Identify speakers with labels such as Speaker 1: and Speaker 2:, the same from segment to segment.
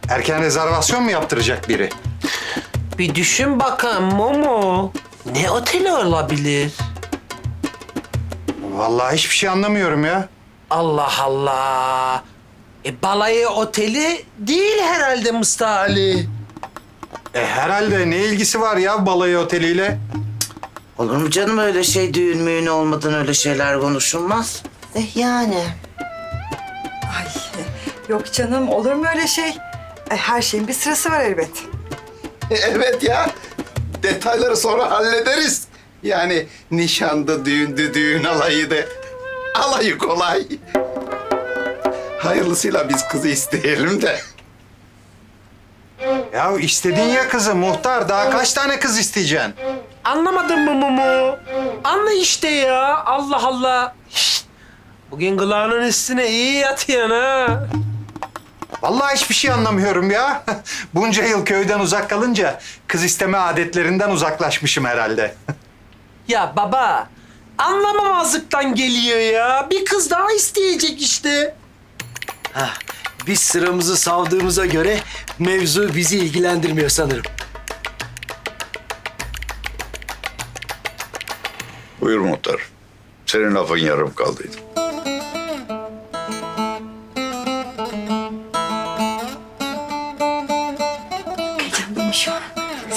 Speaker 1: Erken rezervasyon mu yaptıracak biri?
Speaker 2: Bir düşün bakalım Momo. Ne oteli olabilir?
Speaker 1: Vallahi hiçbir şey anlamıyorum ya.
Speaker 2: Allah Allah. Balayı oteli değil herhalde Mustafa Ali.
Speaker 1: Herhalde ne ilgisi var ya balayı oteliyle?
Speaker 3: Olur mu canım öyle şey, düğün müğün olmadan öyle şeyler konuşulmaz. Yani.
Speaker 4: Ay yok canım, olur mu öyle şey? Her şeyin bir sırası var elbet.
Speaker 5: Evet ya. Detayları sonra hallederiz. Yani nişandı, düğündü, düğün alayıydı. Alayı kolay. Hayırlısıyla biz kızı isteyelim de.
Speaker 1: Ya istedin ya kızı muhtar. Daha kaç tane kız isteyeceksin?
Speaker 2: Anlamadın mı Momo? Anla işte ya. Allah Allah. Şişt. Bugün kulağının üstüne iyi yatıyorsun ha.
Speaker 1: Vallahi hiçbir şey anlamıyorum ya. Bunca yıl köyden uzak kalınca kız isteme adetlerinden uzaklaşmışım herhalde.
Speaker 2: Ya baba, anlamamazlıktan geliyor ya. Bir kız daha isteyecek işte.
Speaker 6: Biz sıramızı savdığımıza göre mevzu bizi ilgilendirmiyor sanırım.
Speaker 5: Buyur muhtar. Senin lafın yarım kaldıydı.
Speaker 4: Heyecanlıyım şu an.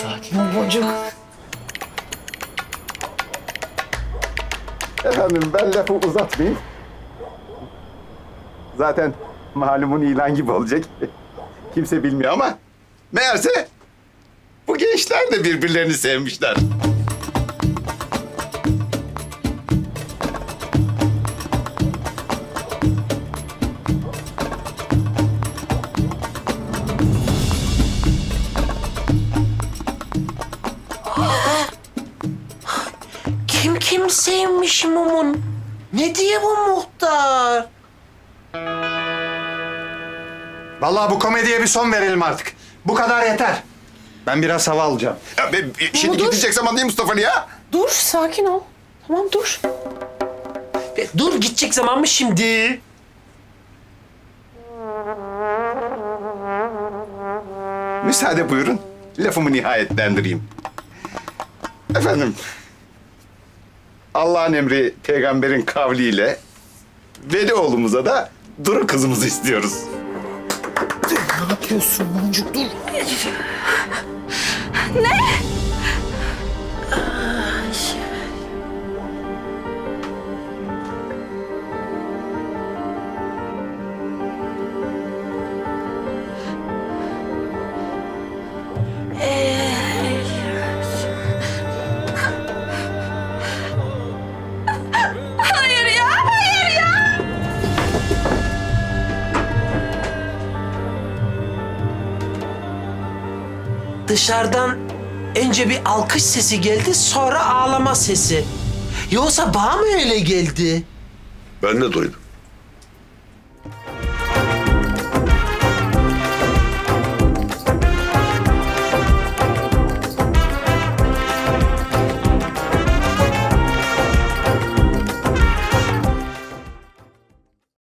Speaker 5: Efendim ben lafı uzatmayayım. Zaten malumun ilan gibi olacak. Kimse bilmiyor ama meğerse bu gençler de birbirlerini sevmişler.
Speaker 2: Kim sevmiş Momo'nun? Ne diye bu muhtar?
Speaker 1: Vallahi bu komediye bir son verelim artık. Bu kadar yeter. Ben biraz hava alacağım.
Speaker 5: Ya şimdi gidecek zaman değil Mustafa Ali ya.
Speaker 7: Dur, sakin ol. Tamam dur.
Speaker 2: Dur, gidecek zaman mı şimdi?
Speaker 5: Müsaade buyurun. Lafımı nihayetlendireyim. Efendim, Allah'ın emri peygamberin kavliyle Veli oğlumuza da Duru kızımızı istiyoruz.
Speaker 7: Hayır ya, hayır ya.
Speaker 2: Dışarıdan önce bir alkış sesi geldi, sonra ağlama sesi. Yoksa bana mı öyle geldi?
Speaker 5: Ben de duydum.